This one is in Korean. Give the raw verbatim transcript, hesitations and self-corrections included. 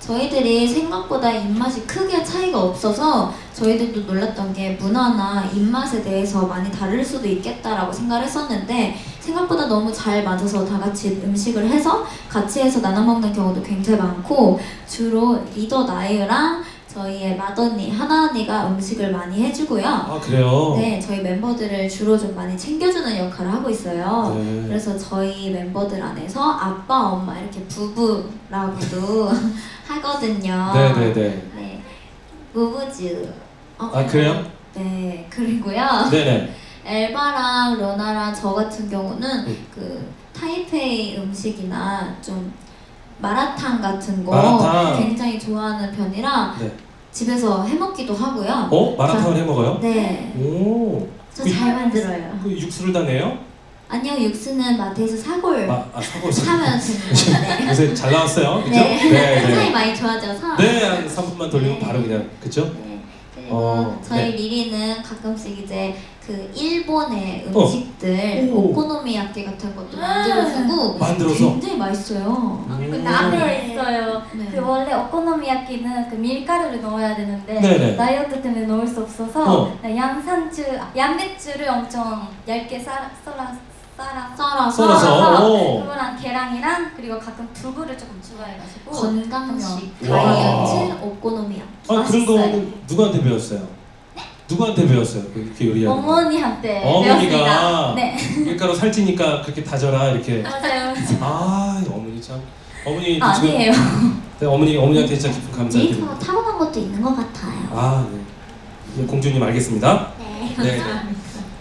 저희들이 생각보다 입맛이 크게 차이가 없어서 저희들도 놀랐던 게 문화나 입맛에 대해서 많이 다를 수도 있겠다라고 생각을 했었는데 생각보다 너무 잘 맞아서 다 같이 음식을 해서 같이 해서 나눠 먹는 경우도 굉장히 많고 주로 리더 나유랑 저희의 맏언니 하나 언니가 음식을 많이 해주고요. 아 그래요? 네, 저희 멤버들을 주로 좀 많이 챙겨주는 역할을 하고 있어요. 네. 그래서 저희 멤버들 안에서 아빠, 엄마 이렇게 부부라고도 하거든요. 네네네. 네, 부부즈. 어, 아 그래요? 네, 그리고요. 네네. 엘바랑 러나랑 저 같은 경우는 음. 그 타이페이 음식이나 좀 마라탕 같은 거 마라탕. 굉장히 좋아하는 편이라 네. 집에서 해먹기도 하고요. 어? 마라탕을 해 먹어요? 네, 오. 저 잘 만들어요. 그 육수를 다 내요? 아니요, 육수는 마트에서 사골 아, 아 사고 사면 됩니다. 네. 요새 잘 나왔어요, 그죠? 네. 네. 세상이 많이 좋아져서. 네, 한 삼 분만 돌리면 네. 바로 그냥 그죠? 네. 그리고 어, 저희 네. 리리는 가끔씩 이제 그 일본의 어. 음식들 오. 오코노미야끼 같은 것도 만들어주고 만들어서? 굉장히 맛있어요. 음. 그 나베 있어요. 네. 그 원래 오코노미야끼는 그 밀가루를 넣어야 되는데 네네. 다이어트 때문에 넣을 수 없어서 어. 양상추, 아, 양배추를 엄청 얇게 썰어 썰어 썰어 썰어서 썰어서. 오. 그거랑 계란이랑 그리고 가끔 두부를 조금 추가해가지고 건강식 와. 다이어트 오코노미야끼. 아 그런 거 맛있어요. 누구한테 배웠어요? 누구한테 배웠어요? 그렇게 요리하는 거? 어머니한테 어머니가 배웠습니다. 네. 밀가루 살찌니까 그렇게 다져라 이렇게. 맞아요. 아 어머니 참. 어머니 아, 아니에요. 네, 어머니 어머니한테 진짜 깊은 감사드립니다. 데이터가 타고난 것도 있는 것 같아요. 아 네. 네, 공주님 알겠습니다. 네. 네. 네.